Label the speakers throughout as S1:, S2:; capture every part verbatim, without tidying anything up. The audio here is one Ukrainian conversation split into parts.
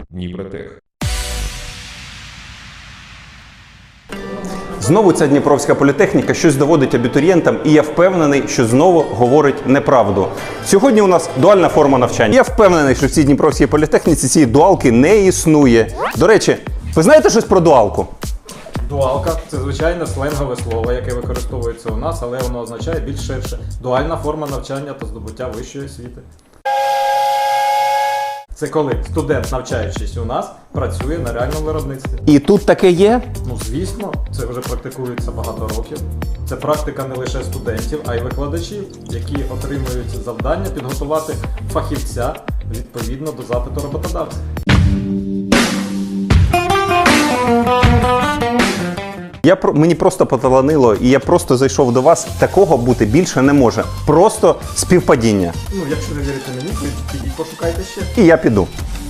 S1: Дніпротех.
S2: Знову ця Дніпровська політехніка щось доводить абітурієнтам, і я впевнений, що знову говорить неправду. Сьогодні у нас дуальна форма навчання. Я впевнений, що в цій Дніпровській політехніці цієї дуалки не існує. До речі, ви знаєте щось про дуалку?
S3: Дуалка – це звичайне сленгове слово, яке використовується у нас, але воно означає більш ширше. Дуальна форма навчання та здобуття вищої освіти. Це коли студент, навчаючись у нас, працює на реальному виробництві.
S2: І тут таке є?
S3: Ну, звісно, це вже практикується багато років. Це практика не лише студентів, а й викладачів, які отримують завдання підготувати фахівця відповідно до запиту роботодавця.
S2: Я, мені просто поталанило, і я просто зайшов до вас. Такого бути більше не може. Просто співпадіння.
S3: Ну, якщо не вірите мені, то підіть пошукайте ще.
S2: І я піду.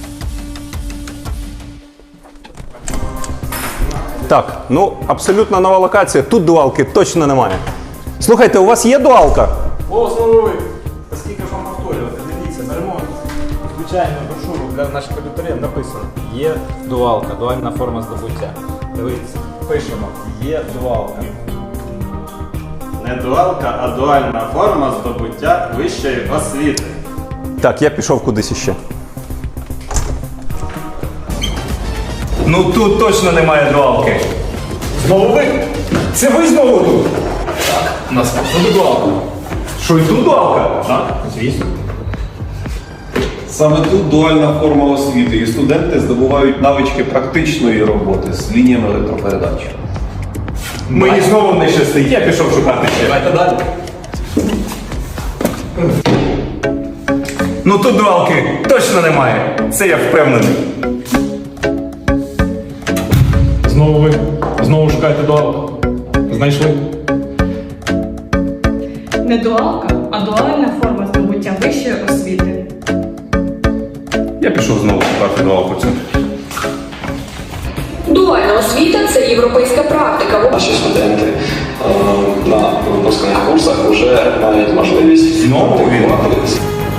S2: Так, ну, абсолютно нова локація. Тут дуалки точно немає. Слухайте, у вас є дуалка?
S3: О, слухай! Скільки ж вам повторювати? Дивіться, на ремонт. Звичайно, брошуру для наших абітурієнтів написано. Є дуалка, дуальна форма здобуття. Дивіться, пишемо. Є дуалка.
S4: Не дуалка, а дуальна форма здобуття вищої освіти.
S2: Так, я пішов кудись іще. Ну тут точно немає дуалки. Знову ви? Це ви знову тут?
S3: Так, у нас тут дуалка.
S2: Що, і тут дуалка?
S3: Так, звісно.
S5: Саме тут дуальна форма освіти, і студенти здобувають навички практичної роботи з лініями електропередач.
S2: Мені знову не щастить, я пішов шукати ще.
S3: Давайте далі.
S2: Ну тут дуалки точно немає. Це я впевнений.
S3: Знову ви. Знову шукаєте дуалку. Знайшли?
S6: Не дуалка, а дуальна форма здобуття вищої освіти.
S2: Я пішов знову шукати дуалку цю.
S7: Дуальна освіта – це європейська практика.
S8: Наші студенти е, на випускних курсах вже мають можливість
S2: Знову він?
S8: практикувати.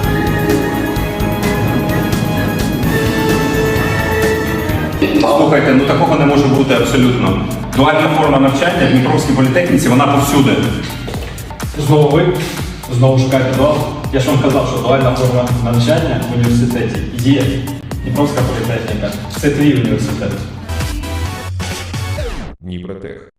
S2: Слухайте, ну такого не може бути абсолютно. Дуальна форма навчання в Дніпровській політехніці, вона повсюди.
S3: Знову ви. Знову шукаєте дуалку. Я ж вам казав, що дуальна форма навчання в університеті є. Дніпровська політехніка – це твій університет.
S1: Дніпротех.